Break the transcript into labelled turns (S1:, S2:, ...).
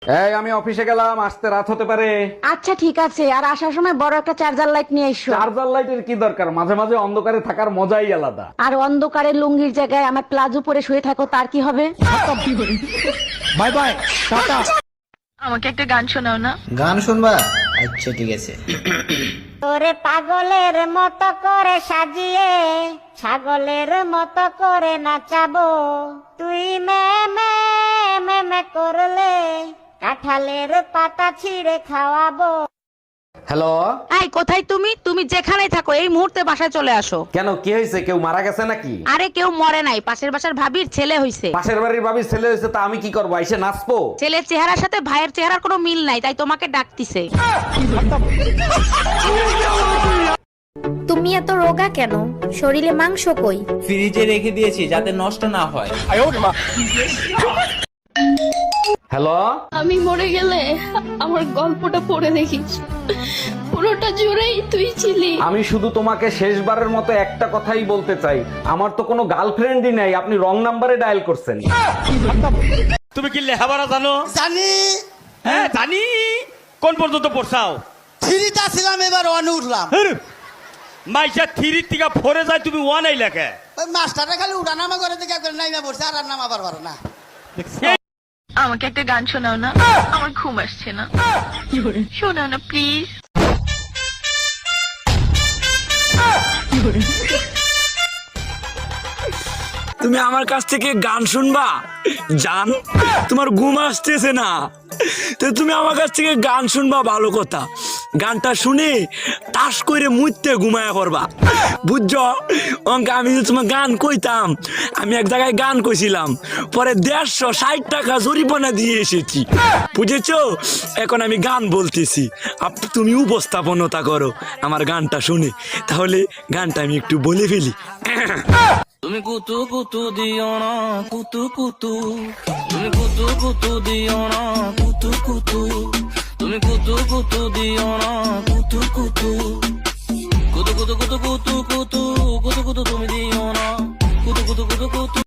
S1: এই আমি অফিসে গেলাম, আসতে রাত হতে পারে।
S2: আচ্ছা ঠিক আছে, আর আসার সময় বড় একটা চার্জার লাইট নিয়ে এসো।
S1: চার্জার লাইটের কি দরকার, মাঝে মাঝে অন্ধকারে থাকার মজাই আলাদা।
S2: আর অন্ধকারে লুঙ্গির জায়গায় আমার প্লাজো পরে শুয়ে থাকো, তার কি হবে?
S3: বাই বাই, টাটা।
S4: আমাকে একটা গান শোনাও না।
S3: গান শুনবা? আচ্ছা ঠিক আছে।
S2: তোরে পাগলের মতো করে সাজিয়ে ছাগলের মতো করে নাচাবো, তুই মে মে মে মে করলে কাঁঠালের পাতা ছিঁড়ে খাওয়াবো।
S1: হ্যালো,
S5: এই কোথায় তুমি? তুমি যেখানেই থাকো এই মুহূর্তে বাসায় চলে আসো।
S1: কেন, কি হয়েছে? কেউ মারা গেছে নাকি?
S5: আরে কেউ মরে নাই, পাশের বাসার ভাবির ছেলে হইছে।
S1: পাশের বাড়ির ভাবির ছেলে হয়েছে, তা আমি কি করবো? এসে নাচবো?
S5: ছেলের চেহারার সাথে ভাইয়ের চেহারার কোনো মিল নাই, তাই তোমাকে ডাকতিছে।
S6: তুমি এত রোগা কেন? শরীরে মাংস কই?
S7: ফ্রিজে রেখে দিয়েছি যাতে নষ্ট না হয়।
S1: হ্যালো,
S8: আমি মরে গেলে আমার গল্পটা পড়ে দেখিস, পুরোটা জুড়েই তুই ছিলি।
S1: আমি শুধু তোমাকে শেষবারের মতো একটা কথাই বলতে চাই, আমার তো কোনো গার্লফ্রেন্ডই নাই, আপনি রং নাম্বারে ডায়াল করছেন।
S9: তুমি কি লেখাপড়া জানো?
S3: জানি।
S9: হ্যাঁ জানি। কোন পর্যন্ত পড়ছাও?
S3: থ্রিটা ছিলাম, এবার ওয়ানে উঠলাম।
S9: মাইসা থ্রির থেকে ফোরে যায়, তুমি ওয়ান এই লেখে।
S3: ওই মাস্টারটা খালি উঠানামা করে দেখে নাইমা পড়ছে, আর নামা পারবো না।
S4: আমাকে একটা গান শোনাও না, আমার ঘুম আসছে না। শোনাও না প্লিজ।
S10: তুমি আমার কাছ থেকে গান শুনবা? জান, তোমার ঘুম আসতেছে না, তো তুমি আমার কাছ থেকে গান শুনবা, ভালো কথা। গানটা শুনে তাস করে মুইতে ঘুমায়া পড়বা, বুঝছো? অঙ্কে আমি যে তোমার গান কইতাম, আমি এক জায়গায় গান কইছিলাম, পরে 160 টাকা জরিমানা দিয়ে এসেছি, বুঝেছো? এখন আমি গান বলতেছি, তুমি উপস্থাপনতা করো আমার গানটা শুনে, তাহলে গানটা আমি একটু বলে ফেলি।
S7: তুমি কুতু কুতু দিও না, কুতু কুতু। তুমি কুতু কুতু দিও না, কুতু কুতু। তুমি কুতু কুতু দিও না, কুতু কুতু। কুতু কুতু কুতু কুতু